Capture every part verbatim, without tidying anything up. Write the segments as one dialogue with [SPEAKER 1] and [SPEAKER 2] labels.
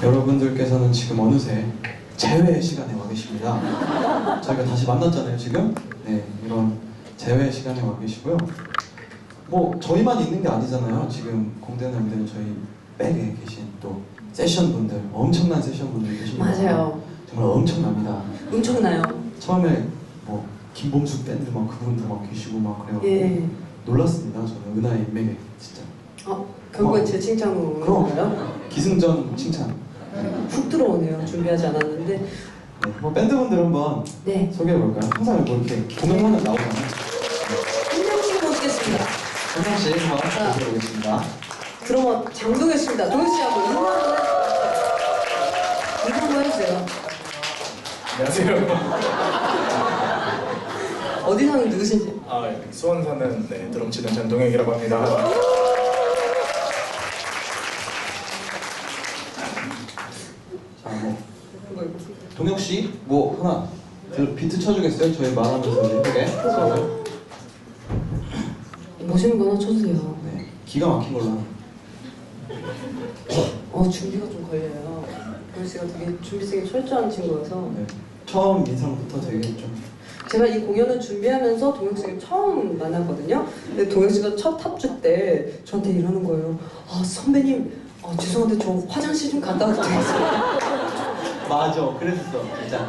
[SPEAKER 1] 여러분들께서는 지금 어느새 재회 시간에 와 계십니다. 저희가 다시 만났잖아요, 지금. 네, 이런 재회 시간에 와 계시고요. 뭐 저희만 있는 게 아니잖아요. 지금 공대는 무대는 저희 백에 계신 또 세션 분들, 엄청난 세션 분들 계십니다.
[SPEAKER 2] 맞아요.
[SPEAKER 1] 정말 엄청납니다.
[SPEAKER 2] 엄청나요.
[SPEAKER 1] 처음에 뭐 김범수 밴드 막 그분들 막 계시고 막 그래요.
[SPEAKER 2] 예.
[SPEAKER 1] 놀랐습니다. 저는 은하의 인맥에 진짜.
[SPEAKER 2] 어, 결국엔
[SPEAKER 1] 어.
[SPEAKER 2] 제 칭찬으로
[SPEAKER 1] 그럼.
[SPEAKER 2] 오는가요?
[SPEAKER 1] 기승전 칭찬.
[SPEAKER 2] 훅 들어오네요. 준비하지 않았는데.
[SPEAKER 1] 네, 뭐 밴드분들 한번
[SPEAKER 2] 네.
[SPEAKER 1] 소개해 볼까요? 항상 뭐 이렇게 공연하는 나오잖아요.
[SPEAKER 2] 한 명씩 모시겠습니다.
[SPEAKER 1] 한상 씨 한번 소개해 보겠습니다.
[SPEAKER 2] 드러머 장동현 씨입니다. 동현 씨하고 인사 한번 해주세요. 인사 한번 해주세요.
[SPEAKER 3] 안녕하세요.
[SPEAKER 2] 어디 사는 누구신지.
[SPEAKER 3] 아, 수원 사는 네, 드럼 치는 전동혁이라고 합니다.
[SPEAKER 1] 자, 뭐
[SPEAKER 2] 그거 이렇게.
[SPEAKER 1] 동혁 씨, 뭐 하나 그 비트 쳐주겠어요? 저희 말하면서 예쁘게.
[SPEAKER 2] 멋있는 거 하나 쳐주세요.
[SPEAKER 1] 네, 기가 막힌 걸로 하나.
[SPEAKER 2] 어, 준비가 좀 걸려요. 동현 씨가 되게 준비성이 철저한 친구여서.
[SPEAKER 1] 네, 처음 인상부터 되게 좀.
[SPEAKER 2] 제가 이 공연을 준비하면서 동혁 씨를 처음 만났거든요. 근데 동혁 씨가 첫 탑주 때 저한테 이러는 거예요. 아, 선배님, 아, 죄송한데 저 화장실 좀 갔다 와도 되겠어요?
[SPEAKER 1] 맞아, 그랬었어, 진짜.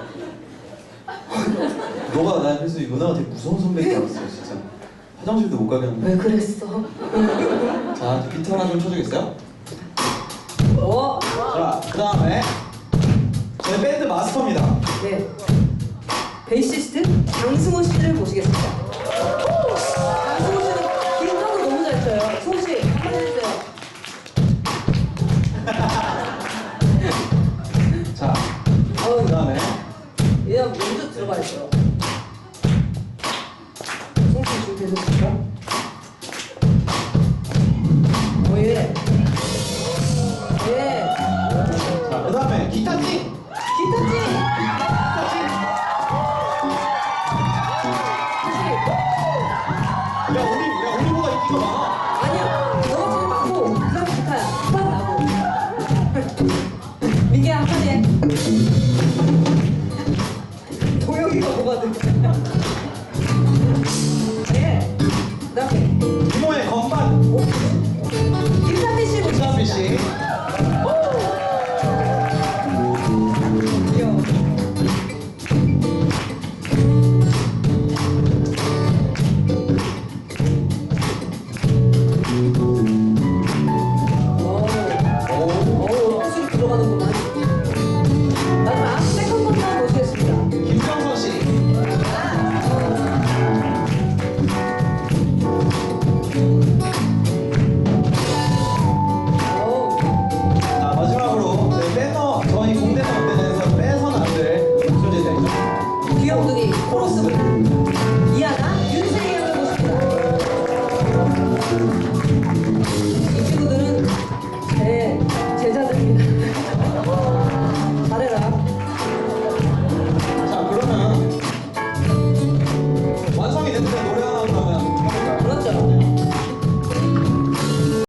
[SPEAKER 1] 너가 나 그래서 누나가 되게 무서운 선배인 줄 알았어, 진짜. 화장실도 못 가게 하는.
[SPEAKER 2] 왜 그랬어?
[SPEAKER 1] 자, 비트 하나 좀 쳐주겠어요?
[SPEAKER 2] 어?
[SPEAKER 1] 자, 그 다음에 저희 밴드 마스터입니다.
[SPEAKER 2] 네. 베이시스트 장승호 씨를 모시겠습니다. 장승호 씨는 기타도 너무 잘 쳐요. 승호 씨, 한번 해주세요.
[SPEAKER 1] 자,
[SPEAKER 2] 어우,
[SPEAKER 1] 그 다음에
[SPEAKER 2] 얘가 먼저 들어가야죠. 승호 씨 준비되셨습니까? 오, 예. 예.
[SPEAKER 1] 자, 그 다음에 기타찡!
[SPEAKER 2] 기타찡!
[SPEAKER 1] 야, 우리, 야, 우리보다 인기가 많아.
[SPEAKER 2] 아니야, 너가 제일 많고 그 다음 기타야. 딱 나고. 민기야, 한마디 해. 도영이가 뭐가 돼? 네. 그 다음에
[SPEAKER 1] 이모의 건반!
[SPEAKER 2] 김삼미 씨
[SPEAKER 1] 김삼미 씨.
[SPEAKER 2] 귀여워. 어우, 어우, 들어가는구만. 마지막 세컨번만 모시겠습니다.
[SPEAKER 1] 김정선 씨.
[SPEAKER 2] 어우,
[SPEAKER 1] 자, 마지막으로 저희 배너, 저희 공대 무대에서 빼서는 안 될 존재자이죠.
[SPEAKER 2] 귀염둥이 코러스 이하나 윤세희 양을 모십니다.